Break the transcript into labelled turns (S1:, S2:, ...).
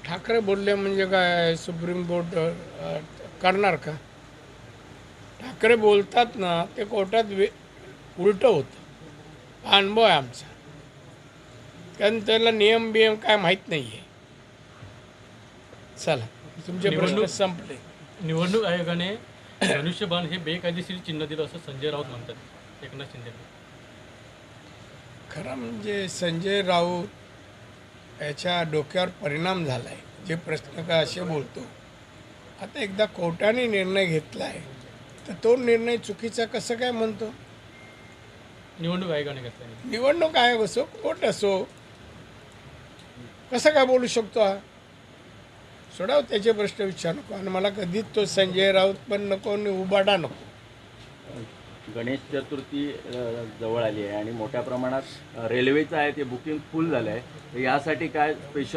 S1: ठाकरे बोलले म्हणजे काय सुप्रीम कोर्ट करणार का? ठाकरे बोलतात ना ते कोर्टात उलटं होतं. हा अनुभव आहे आमचा. कारण त्याला नियम बियम काय माहीत नाही आहे. चला तुमचे प्रश्न संपले.
S2: निवडणूक आयोगाने धनुष्यबाण हे बेकायदेशीर चिन्ह दिलं असं संजय राऊत म्हणतात एकनाथ शिंदे.
S1: खरं म्हणजे संजय राऊत याच्या डोक्यावर परिणाम झाला आहे. जे प्रश्न का असे बोलतो. आता एकदा कोर्टाने निर्णय घेतला आहे तर तो निर्णय चुकीचा कसं काय म्हणतो?
S2: निवडणूक आयोगाने घेतला.
S1: निवडणूक आयोग असो कोर्ट असो कसं काय बोलू शकतो हा? सोडाव त्याचे प्रश्न विचार नको. आणि मला कधीच तो संजय राऊत पण नको आणि उबाडा नको.
S3: गणेश चतुर्थी जवळ आली आहे आणि मोठ्या प्रमाणात रेल्वेचं आहे ते बुकिंग फुल झालं आहे. यासाठी काय स्पेशल